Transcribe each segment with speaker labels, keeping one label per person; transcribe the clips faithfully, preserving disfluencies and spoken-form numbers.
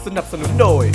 Speaker 1: สนับสนุนโดย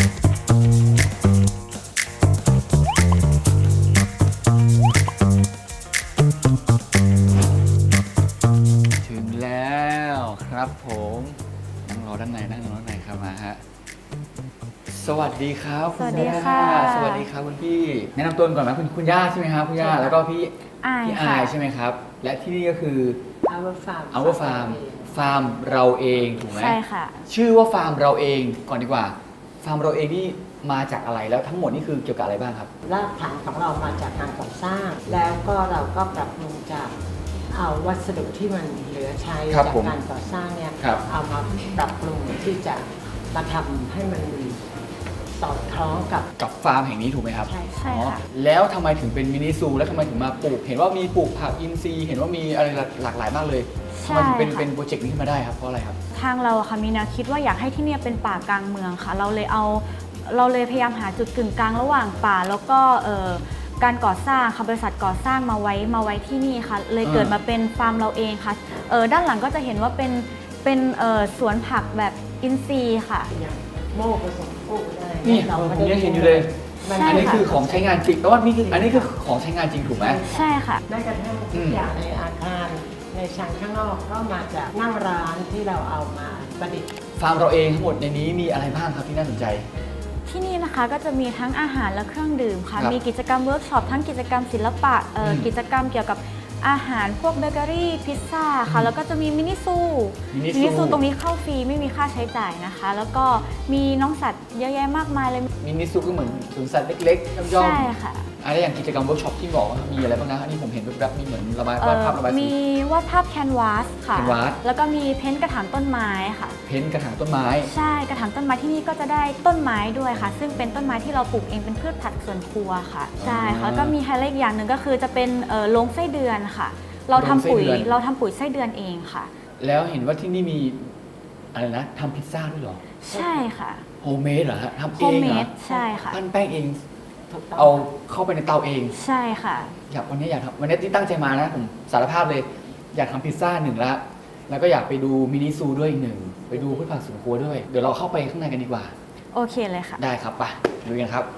Speaker 1: ถึงแล้วครับผมนั่งรอด้านในนั่งรอด้านในครับมาฮะสวัสดีครับ
Speaker 2: สวัสดีค่ะ
Speaker 1: สวัสดีครับคุณพี่แนะนำตัวก่อนไหมคุณคุณย่าใช่ไหมครับคุณย่าแล้วก็พี่พี่อายใช่ไหมครับและที่นี่ก็คือ
Speaker 3: Our Farm
Speaker 1: Our Farm ฟาร์มเราเองถูกไหม
Speaker 2: ใช่ค่ะ
Speaker 1: ชื่อว่าฟาร์มเราเองก่อนดีกว่าฟาร์มเราเองนี่มาจากอะไรแล้วทั้งหมดนี่คือเกี่ยวกับอะไรบ้างครับ
Speaker 3: รากฐานของเรามาจากการก่อสร้าง แล้วก็เราก็ปรับปรุงจากเอาวัสดุที่มันเหลือใช้จากการก่อสร้างเนี่ยเอามาปรับปรุงที่จะมาทำให้มันสอดคล้องกับ
Speaker 1: กับฟาร์มแห่งนี้ถูกไหมครับ
Speaker 3: ใช่
Speaker 2: ใช่ค่ะ
Speaker 1: แล้วทำไมถึงเป็นมินิซูแล้วทำไมถึงมาปลูกเห็นว่ามีปลูกผักอินทรีย์เห็นว่ามีอะไรหลากหลายมากเลยทำไมถึงเป็นเป็นโปรเจกต์นี้ขึ้นมาได้ครับเพราะอะไรครับ
Speaker 2: ทางเราค่ะมีแนวคิดว่าอยากให้ที่นี่เป็นป่ากลางเมืองค่ะเราเลยเอาเราเลยพยายามหาจุดกึ่งกลางระหว่างป่าแล้วก็การก่อสร้างค่ะบริษัทก่อสร้างมาไว้มาไว้ที่นี่ค่ะเลยเกิดมาเป็นฟาร์มเราเองค่ะด้านหลังก็จะเห็นว่าเป็นเป็นสวนผักแบบอินทรีย์ค่ะ
Speaker 3: โม่ผสมปลูกได้
Speaker 1: นี่ผมยังเห็นอยู่เลยอันนี้คือของใช้งานจริงแต่ว่านี่คืออันนี้คือของใช้งานจริงถูกไหม
Speaker 2: ใช่ค่ะ
Speaker 3: แม้กระทั่งทุกอย่างในอาคารในชั้นข้างนอกก็มาจากนั่งร้านที่เราเอามาประดิษฐ์
Speaker 1: ฟาร์มเราเองทั้งหมดในนี้มีอะไรบ้างครับที่น่าสนใจ
Speaker 2: ที่นี่นะคะก็จะมีทั้งอาหารและเครื่องดื่มค่ะมีกิจกรรมเวิร์กช็อปทั้งกิจกรรมศิลปะกิจกรรมเกี่ยวกับอาหารพวกเบเกอรี่พิซซ่าค่ะแล้วก็จะมีมินิซูมินิซูตรงนี้เข้าฟรีไม่มีค่าใช้จ่ายนะคะแล้วก็มีน้องสัตว์เยอะแยะมากมายเลย
Speaker 1: มินิซูก็เหมือนสวนสัตว์เล็กๆย่อมๆ
Speaker 2: ใช่ค่ะ
Speaker 1: อะไรอย่างกิจกรรมเวิร์กช็อปที่บอกว่ามีอะไรบ้างนะอันนี้ผมเห็นแบบมีเหมือนระบายวาดภาพระบายสี
Speaker 2: มีวาดภาพแคนวาสค่ะแล้วก็มีเพ้นท์กระถางต้นไม้ค่ะ
Speaker 1: เพ้นท์กระถางต้นไม้
Speaker 2: ใช่กระถางต้นไม้ที่นี่ก็จะได้ต้นไม้ด้วยค่ะซึ่งเป็นต้นไม้ที่เราปลูกเองเป็นพืชผักสวนครัวค่ะใช่ค่ะแล้วก็มีไฮไลท์อีกอย่างหนึ่งก็คือจะเป็นโรงไส้เดือนค่ะเราทำปุ๋ยเราทำปุ๋ยไส้เดือนเองค่ะ
Speaker 1: แล้วเห็นว่าที่นี่มีอะไรนะทำพิซซ่าด้วยเหรอ
Speaker 2: ใช่ค่ะ
Speaker 1: โฮมเมดเหรอฮะทำเองเหรอ
Speaker 2: ใช่ค่ะ
Speaker 1: ปั้นแป้งเองเอาเข้าไปในเตาเอง
Speaker 2: ใช่ค่ะ
Speaker 1: อยากวันนี้อยากทำวันนี้ที่ตั้งใจมานะผมสารภาพเลยอยากทำพิซซ่าหนึ่งละแล้วก็อยากไปดูมินิซูด้วยอีกหนึ่งไปดูพืชผักสวนครัวด้วยเดี๋ยวเราเข้าไปข้างในกันดีกว่า
Speaker 2: โอเคเลยค่ะ
Speaker 1: ได้ครับไปดูกันครับ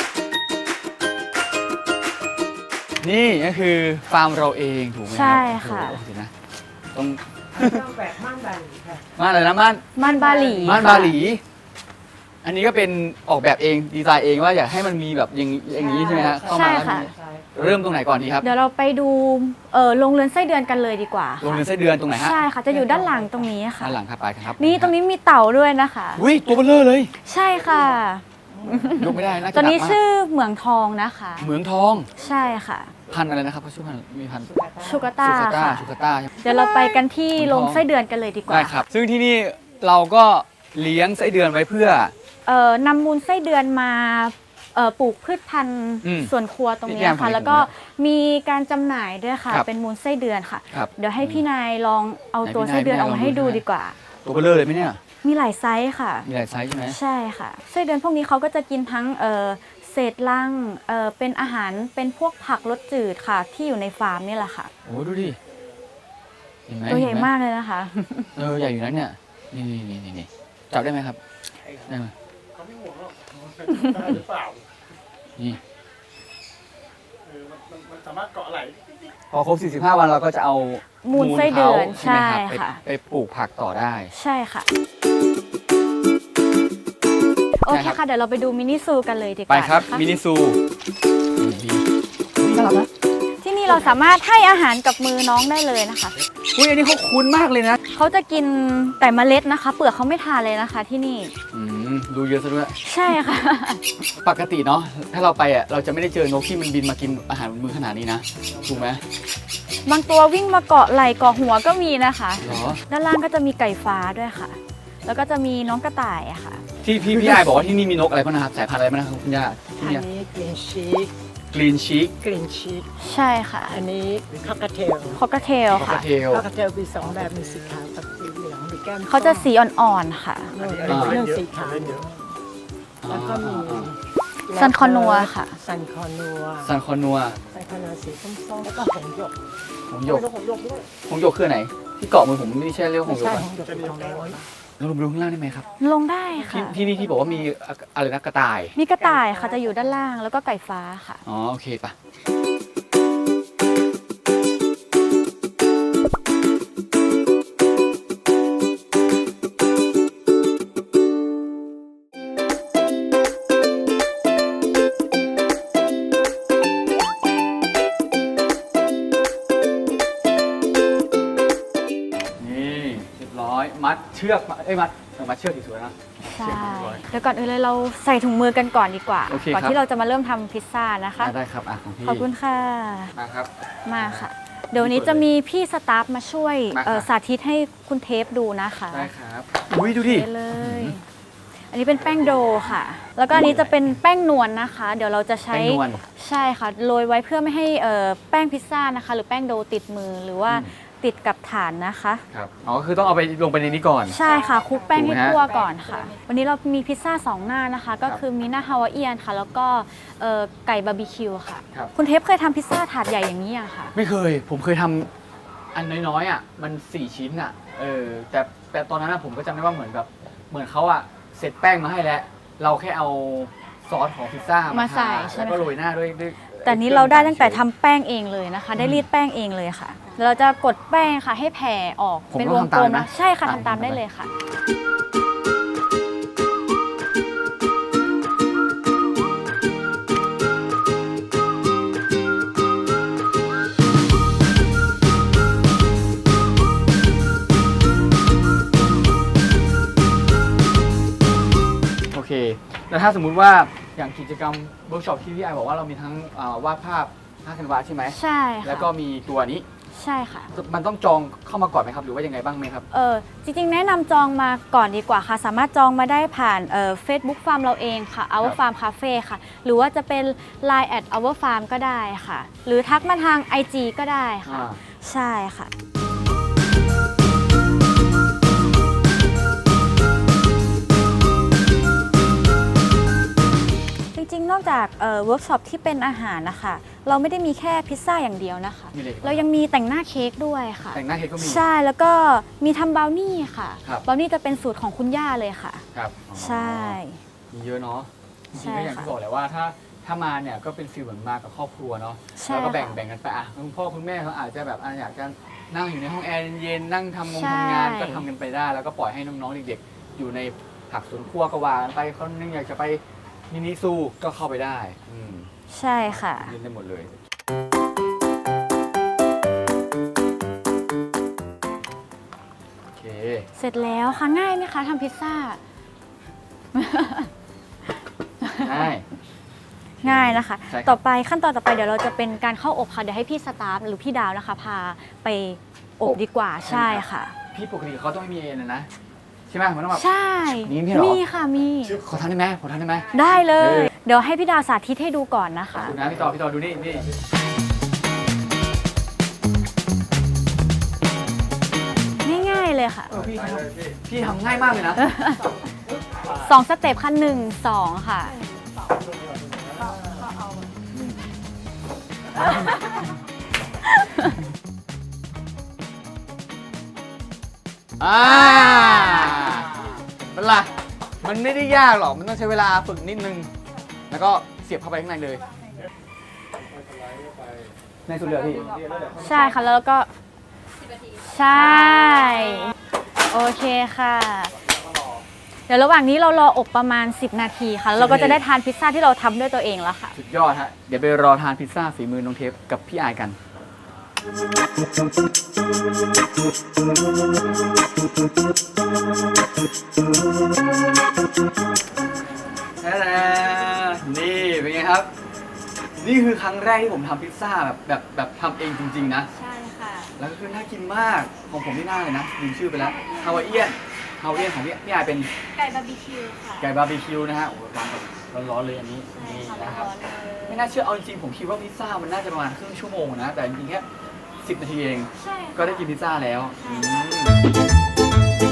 Speaker 1: นี่ก็คือฟาร์มเราเองถูกไหมครับ
Speaker 2: ใช่ค่ะ
Speaker 1: โอเคนะต้อง
Speaker 3: ต้องแบบม่านบาหลีค่ะ
Speaker 1: ม่านอะไรนะม่าน
Speaker 2: ม่านบาหลี
Speaker 1: ม่านบาหลีอันนี้ก็เป็นออกแบบเองดีไซน์เองว่าอยากให้มันมีแบบอย่างอย่างนี้ใช่ไหมฮะเข้ามาเริ่มตรงไหนก่อนดีครับ
Speaker 2: เดี๋ยวเราไปดูโรงเรือนไส้เดือนกันเลยดีกว่า
Speaker 1: โรงเรือนไส้เดือนตรงไหนฮะ
Speaker 2: ใช่ค่ะจะอยู่ด้านหลังตรงนี้ค่ะ
Speaker 1: ด้านหลังครับไปครับ
Speaker 2: นี่ตรงนี้มีเต่าด้วยนะคะ
Speaker 1: อุ้ยตัวเบลอเลย
Speaker 2: ใช่ค่ะ
Speaker 1: ยกไม่ได้นะ
Speaker 2: ตัวนี้ชื่อเหมืองทองนะคะ
Speaker 1: เหมืองทอง
Speaker 2: ใช่ค่ะ
Speaker 1: พันอะไรนะครับชื่อพันมีพัน
Speaker 2: ชูกาต้าค่ะ
Speaker 1: ชูกาต้า
Speaker 2: เดี๋ยวเราไปกันที่โรงไส้เดือนกันเลยดีกว่า
Speaker 1: ได้ครับซึ่งที่นี่เราก็เลี้ยงไส้เดือนไว้เพื่
Speaker 2: อนำมูลไส้เดือนมาปลูกพืชพันธุ์สวนครัวตรงนี้ค่ะแล้วก็มีการจำหน่ายด้วยค่ะเป็นมูลไส้เดือนค่ะเดี๋ยวให้พี่นายลองเอาตัวไส้เดือนออกมาให้ดูดีกว่า
Speaker 1: ตัวเบลอเลยไหมเนี่ย
Speaker 2: มีหลายไซส์ค่ะ
Speaker 1: มีหลายไซส์ใช่ไหม
Speaker 2: ใช่ค่ะไส้เดือนพวกนี้เขาก็จะกินทั้งเศษรังเป็นอาหารเป็นพวกผักรสจืดค่ะที่อยู่ในฟาร์มนี่แหละค่ะ
Speaker 1: โอ้ดูดิ
Speaker 2: ตัวใหญ่มากเลยนะคะ
Speaker 1: เออใหญ่อยู่นะเนี่ยนี่นี่นี่นี่จับได้ไหมครับได้ไหมเขาไม่ห่วงหรอกได้หรือเปล่านี่เออมันมันสามารถเกาะไหลพอครบสี่สิบห้าวันเราก็จะเอา
Speaker 2: มูลไส้เดือนใช่ค่ะ
Speaker 1: ไปปลูกผักต่อได้
Speaker 2: ใช่ค่ะโอเคค่ะเดี๋ยวเราไปดูมินิซูกันเลยดีกว่า
Speaker 1: ไปครับมินิซูน่ารักนะ
Speaker 2: ที่นี่เราสามารถให้อาหารกับมือน้องได้เลยนะคะ
Speaker 1: อุ้ยอันนี้เขาคุ้นมากเลยนะ
Speaker 2: เขาจะกินแต่เมล็ดนะคะเปลือกเขาไม่ทานเลยนะคะที่นี่
Speaker 1: ดูเยอะซะด้วย
Speaker 2: ใช่ค่ะ
Speaker 1: ปกติเนาะถ้าเราไปอ่ะเราจะไม่ได้เจอนกที่มันบินมากินอาหารบนมือขนาดนี้นะถูกไหม
Speaker 2: บางตัววิ่งมาเกาะไหล่เกาะหัวก็มีนะคะด้านล่างก็จะมีไก่ฟ้าด้วยค่ะแล้วก็จะมีน้องกระต่ายอะค่ะ
Speaker 1: ที่พี่พี่ไอบอกว่าที่นี่มีนกอะไรบ้างนะครับสายพันธุ์อะไรบ้างนะครับคุณย่า
Speaker 3: อันนี้กรีนชีก
Speaker 1: กรีนชีก
Speaker 3: กรีนชีก
Speaker 2: ใช่ค่ะ
Speaker 3: อันนี้คอกเทล
Speaker 2: คอกเทลค่ะ
Speaker 3: คอกเทลมีสองแบบมีสีขาวกับสีเหลืองมีแก้ม
Speaker 2: เขาจะสีอ่อนๆค่ะ
Speaker 3: เรื่องสีขาวแล้วก็มี
Speaker 2: ซันคอนัวค่ะ
Speaker 3: ซันคอนัว
Speaker 1: ซันคอนัว
Speaker 3: ซันคอนัวสีส้มๆแล้วก็หงหยก
Speaker 1: หงหยกหงหยกคือไหนที่เกาะมือผมไม่ใช่เรียกหงหยก
Speaker 3: หงหยกเป็นของน้อย
Speaker 1: เราลงไปดูข้างล่างได้ไหมครับ
Speaker 2: ลงได้ค่ะ
Speaker 1: ที่ที่นี่ที่บอกว่ามีอะไรนะกระต่าย
Speaker 2: มีกระต่ายค่ะจะอยู่ด้านล่างแล้วก็ไก่ฟ้าค่ะ
Speaker 1: อ๋อโอเคปะนี่เรียบร้อยมัดเชือกมาเอ้ยมัดเออมัดเชือกสวยๆนะ
Speaker 2: ใช่เดี๋ยวก่อนอื่นเลยเราใส่ถุงมือกันก่อนดีกว่า
Speaker 1: โอเค
Speaker 2: ก่อน
Speaker 1: ครับ
Speaker 2: ที่เราจะมาเริ่มทำพิซซ่านะคะ
Speaker 1: อ่ะได้ครับอ่ะของพี่
Speaker 2: ขอบคุณค่ะ
Speaker 1: มาครับ
Speaker 2: มาค่ะ เดี๋ยววันนี้จะมีพี่สตาฟมาช่วย
Speaker 1: มาค่ะ
Speaker 2: เอ่อสาธิตให้คุณเทปดูนะคะ
Speaker 1: ได้ครับอุ้ยดูดิ
Speaker 2: ได้เลย อันนี้เป็นแป้งโดค่ะ แล้วก็อันนี้จะเป็นแป้งนวลนะคะ เดี๋ยวเราจะใช้
Speaker 1: แป้งนวล
Speaker 2: ใช่ค่ะโรยไว้เพื่อไม่ให้เอ่อแป้งพิซซ่านะคะ หรือแป้งโดติดมือหรือว่า
Speaker 1: อืม
Speaker 2: ติดกับฐานนะคะ
Speaker 1: ครับอ๋อคือต้องเอาไปลงไปในนี้ก่อน
Speaker 2: ใช่ค่ะคลุกแป้งให้
Speaker 1: ถูกไหมฮะ
Speaker 2: ทั่วก่อนค่ะ วันนี้เรามีพิซซ่าสองหน้านะคะ ก็
Speaker 1: ครับ
Speaker 2: คือมีหน้าฮาวายเอียนค่ะ แล้วก็เอ่อไก่บาร์บีคิวค่ะ
Speaker 1: ครับ
Speaker 2: คุณเทปเคยทำพิซซ่าถาดใหญ่อย่างนี้ยังคะ
Speaker 1: ไม่เคย ผมเคยทำอันน้อยๆอ่ะ มันสี่ชิ้นอ่ะ เออ แต่แต่ตอนนั้นอะผมก็จำได้ว่าเหมือนแบบเหมือนเขาอ่ะเสร็จแป้งมาให้แล้ว เราแค่เอาซอสของพิซซ่ามา
Speaker 2: มาใส่
Speaker 1: ท
Speaker 2: ใช่ไหม
Speaker 1: แล้วก็โรยหน้าด้วยด้วย
Speaker 2: แต่นี้เราได้ตั้งแต่ทำแป้งเองเลยนะคะ ได้รีดแป้งเองเลยค่ะแล้วเราจะกดแป้งค่ะให้แผ่ออก
Speaker 1: ผม
Speaker 2: เป็น
Speaker 1: ต้
Speaker 2: ว
Speaker 1: อง
Speaker 2: ง
Speaker 1: ทำตาม
Speaker 2: กลม
Speaker 1: นะ
Speaker 2: นะใช่ค่ะ
Speaker 1: อ่ะ
Speaker 2: ทำตามได้
Speaker 1: ทำตาม
Speaker 2: เลยค่ะ
Speaker 1: โอเค แล้วถ้าสมมุติว่าอย่างกิจกรรมเวิร์กช็อปที่พี่ไอบอกว่าเรามีทั้งอ่าวาดภาพภาพแคนวาสใช่ไหม
Speaker 2: ใช่ค่ะ
Speaker 1: แล้วก็มีตัวนี้
Speaker 2: ใช่ค่ะ
Speaker 1: มันต้องจองเข้ามาก่อนไหมครับ หรือว่ายังไงบ้างไหมครับ
Speaker 2: เออจริงๆ แนะนำจองมาก่อนดีกว่าค่ะ สามารถจองมาได้ผ่านเอ่อ Facebook Farm เราเองค่ะ Our Farm Cafe ค่ะ หรือว่าจะเป็น ไลน์ แอท our farm ก็ได้ค่ะ หรือทักมาทาง ไอ จี ก็ได้ค่ะ
Speaker 1: อ่า
Speaker 2: ใช่ค่ะ จริงๆ นอกจากเวิร์กช็อปที่เป็นอาหารนะคะ เราไม่ได้มีแค่พิซซ่าอย่างเดียวนะคะ
Speaker 1: มีอะไรอีก
Speaker 2: เรายังมีแต่งหน้าเค้กด้วยค่ะ
Speaker 1: แต่งหน้าเค้กก็มี
Speaker 2: ใช่ แล้วก็มีทำบราวนี่ค่ะ
Speaker 1: ครับ
Speaker 2: บราวนี่จะเป็นสูตรของคุณย่าเลยค่ะ
Speaker 1: ครับอ๋อ
Speaker 2: ใช่
Speaker 1: มีเยอะเนาะจ
Speaker 2: ใช่
Speaker 1: ริงๆก็อย่าง
Speaker 2: ค่ะ
Speaker 1: ที่บอกแหละว่าถ้าถ้ามาเนี่ยก็เป็นฟีลเหมือนมากับครอบครัวเนาะ
Speaker 2: ใช่
Speaker 1: แล้วก็แบ่ง
Speaker 2: ค่ะ
Speaker 1: แบ่งกันไปอ่ะคุณพ่อคุณแม่เขาอาจจะแบบอ่ะอยากจะนั่งอยู่ในห้องแอร์เย็นๆนั่งทำงง
Speaker 2: ใช่
Speaker 1: ทำงานก็ทำกันไปได้ แล้วก็ปล่อยให้น้องๆเด็กๆอยู่ในผักสวนครัวก็ว่ากันไปคนนึงอยากจะไปมินิซูก็เข้าไปได้อืม
Speaker 2: ใช่ค่ะ
Speaker 1: เล่นได้หมดเลยโอเค
Speaker 2: เสร็จแล้วค่ะ ง่ายไหมคะทำพิซซ่า
Speaker 1: ได้
Speaker 2: ง่ายนะคะ
Speaker 1: ใช่ครับ
Speaker 2: ต่อไปขั้นตอนต่อไปเดี๋ยวเราจะเป็นการเข้าอบค่ะ เดี๋ยวให้พี่สตาฟหรือพี่ดาวนะคะ พาไปอบดีกว่าใช่ค่ะ
Speaker 1: พี่ปกติเขาต้องไม่มีเอ็นนะใช่ไหมมันต้องแบบ
Speaker 2: ใช่
Speaker 1: มีมีเหรอ
Speaker 2: มีค่ะมี
Speaker 1: ขอทานได้ไหมขอทานได้ไหม
Speaker 2: ได้เล
Speaker 1: เอย อ
Speaker 2: เดี๋ยวให้พี่ดาวสาธิตให้ดูก่อนนะ
Speaker 1: ขอบ
Speaker 2: คะ
Speaker 1: คุณนะพี่ต่อพี่ต่อดูนี่นี่
Speaker 2: ง่ายๆเลยค่ะ
Speaker 1: เออพี่ทำพี่ทำง่ายมากเลยนะ
Speaker 2: สองสเต็ปค่ะหนึ่งสองค่ะ
Speaker 1: อ่าเป็นไรมันไม่ได้ยากหรอก มันต้องใช้เวลาฝึกนิดนึง แล้วก็เสียบเข้าไปข้างในเลย ในสุดเหลือพี่
Speaker 2: ใช่ค่ะแล้วก็ใช่ โอเคค่ะ เดี๋ยวระหว่างนี้เรารออบประมาณ สิบ นาทีค่ะแล้วเราก็จะได้ทานพิซซ่าที่เราทำด้วยตัวเองแล้วค่ะ
Speaker 1: สุดยอดฮะ เดี๋ยวไปรอทานพิซซ่าฝีมือน้องเทปกับพี่อายกัน นี่เป็นไงครับ นี่คือครั้งแรกที่ผมทำพิซซ่าแบบแบบแบบทำเองจริงๆนะ
Speaker 2: ใช่ค่ะ
Speaker 1: แล้วก็คือน่ากินมากของผมที่น่าเลยนะลืมชื่อไปแล้วฮาวายเอียนฮาวายเอียนของพี่พี่อายเป็น
Speaker 2: ไก่บาร์บีคิวค่ะ
Speaker 1: ไก่บาร์บีคิวนะฮะโอ้โหร้อนแบบร้อนๆเลยอันนี้นี่นะครับไม่น่าเชื่อเอาจริงๆผมคิดว่าพิซซ่ามันน่าจะประมาณครึ่งชั่วโมงนะแต่จริงๆแค่สิบนาทีเอง
Speaker 2: ใช่
Speaker 1: ก็ได้กินพิซซ่าแล้วอืม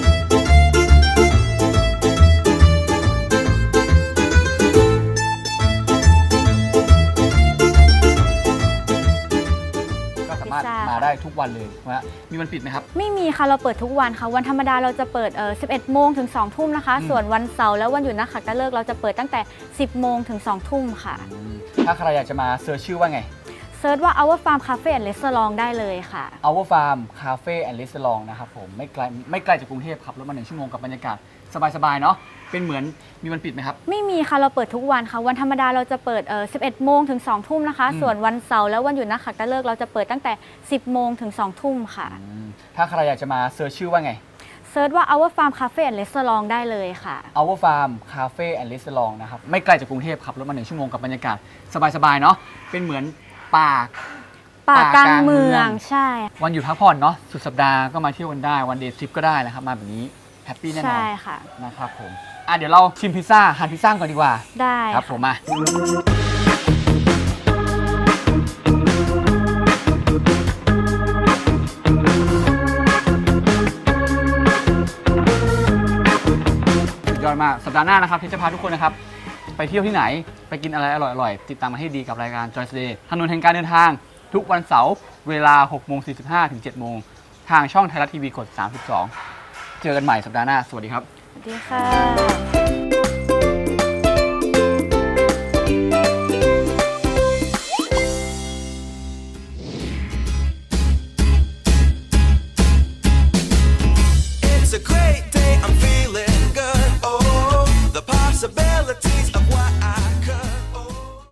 Speaker 1: ก็สามารถมาได้
Speaker 4: ทุกวันเลยนะมีวันปิดไหมครับ
Speaker 2: ไม่มีค่ะเราเปิดทุกวันค่ะวันธรรมดาเราจะเปิดเอ่อสิบเอ็ดโมงถึงสองทุ่มนะคะส่วนวันเสาร์และวันหยุดนักขัตฤกษ์เราจะเปิดตั้งแต่สิบโมงถึงสองทุ่มค่ะ
Speaker 4: ถ้าใครอยากจะมาเซิร์ชชื่อว่าไง
Speaker 2: เซิร์ชว่า Our Farm Cafe and Restaurant ได้เลยค่ะ
Speaker 4: Our Farm Cafe and Restaurant นะครับผมไม่ไกลไม่ไกลจากกรุงเทพครับรถมาหนึ่งชั่วโมงกับบรรยากาศสบายๆเนาะเป็นเหมือนมีวันปิดไหมครับ
Speaker 2: ไม่มีค่ะเราเปิดทุกวันค่ะวันธรรมดาเราจะเปิดเอ่อสิบเอ็ดโมงถึงสองทุ่มนะคะส่วนวันเสาร์และวันหยุดนักขัตฤกษ์เราจะเปิดตั้งแต่สิบโมงถึงสองทุ่มค่ะ
Speaker 4: ถ้าใครอยากจะมาเซิร์ชชื่อว่าไง
Speaker 2: เซิร์ชว่า Our Farm Cafe and Restaurant ได้เลยค่ะ
Speaker 4: Our Farm Cafe and Restaurant นะครับไม่ไกลจากกรุงเทพครับรถมาหนึ่งชั่วโมงกับบรรยากาศสบายๆเนาะเป็นเหมือนป่า
Speaker 2: ป่ากลางเมืองใช่
Speaker 4: วันหยุดพักผ่อนเนาะสุดสัปดาห์ก็มาเที่ยวกันได้วันเดย์ทริปก็ได้นะครับมาแบบนี้แฮปปี้แน่นอน
Speaker 2: ใช่ค่ะ
Speaker 4: นะครับผมอ่ะเดี๋ยวเราชิมพิซซ่าทานพิซซ่าก่อนดีกว่า
Speaker 2: ได้
Speaker 4: ครับผมมาสุดยอดมากสัปดาห์หน้านะครับที่จะพาทุกคนนะครับไปเที่ยวที่ไหนไปกินอะไรอร่อยๆติดตามมาให้ดีกับรายการ Joyce Day ถนนแห่งการเดินทางทุกวันเสาร์เวลา หกโมงสี่สิบห้า ถึง เจ็ดโมงทางช่องไทยรัฐทีวีกด สามสิบสอง เจอกันใหม่สัปดาห์หน้าสวัสดีครับ
Speaker 2: สวัสดีค่ะ